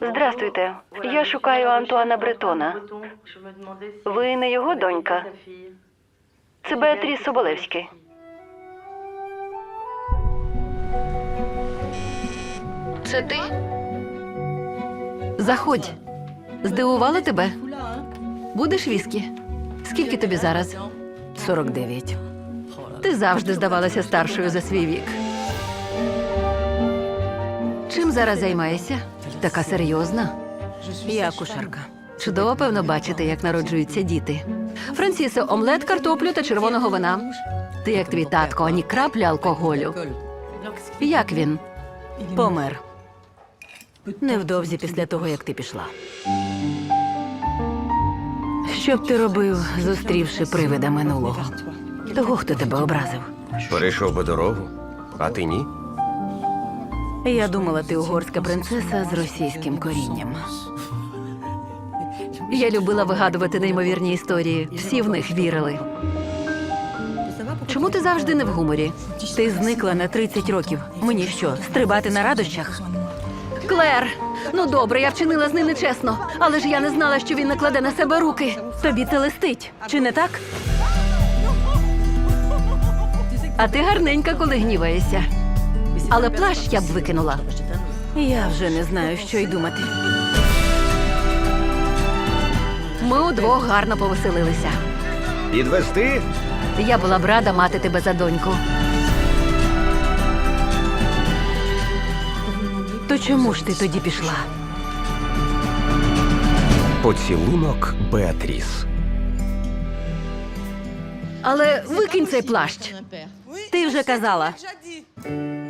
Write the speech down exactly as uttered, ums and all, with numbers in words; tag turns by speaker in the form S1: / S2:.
S1: Здрастуйте. Я шукаю Антуана Бретона. Ви не його донька? Це Беатріс Соболевський.
S2: Це ти? Заходь. Здивувала тебе? Будеш віскі? Скільки тобі зараз? сорок дев'ять. Ти завжди здавалася старшою за свій вік. Чим зараз займаєшся? Така серйозна. Я акушерка. Чудово, певно, бачити, як народжуються діти. Франсісе, омлет, картоплю та червоного вина. Ти як твій татко, ані краплі алкоголю. Як він? Помер. Невдовзі після того, як ти пішла. Що б ти робив, зустрівши привида минулого? Того, хто тебе образив?
S3: Перейшов би дорогу, а ти ні?
S2: Я думала, ти угорська принцеса з російським корінням. Я любила вигадувати неймовірні історії. Всі в них вірили. Чому ти завжди не в гуморі? Ти зникла на тридцять років. Мені що, стрибати на радощах? Клер! Ну добре, я вчинила з ним нечесно. Але ж я не знала, що він накладе на себе руки. Тобі це листить, чи не так? А ти гарненька, коли гніваєшся. Але плащ я б викинула. Я вже не знаю, що й думати. Ми удвох гарно повеселилися.
S3: Підвести?
S2: Я була б рада мати тебе за доньку. То чому ж ти тоді пішла?
S3: Поцілунок Беатріс.
S2: Але викинь цей плащ. Ти вже казала.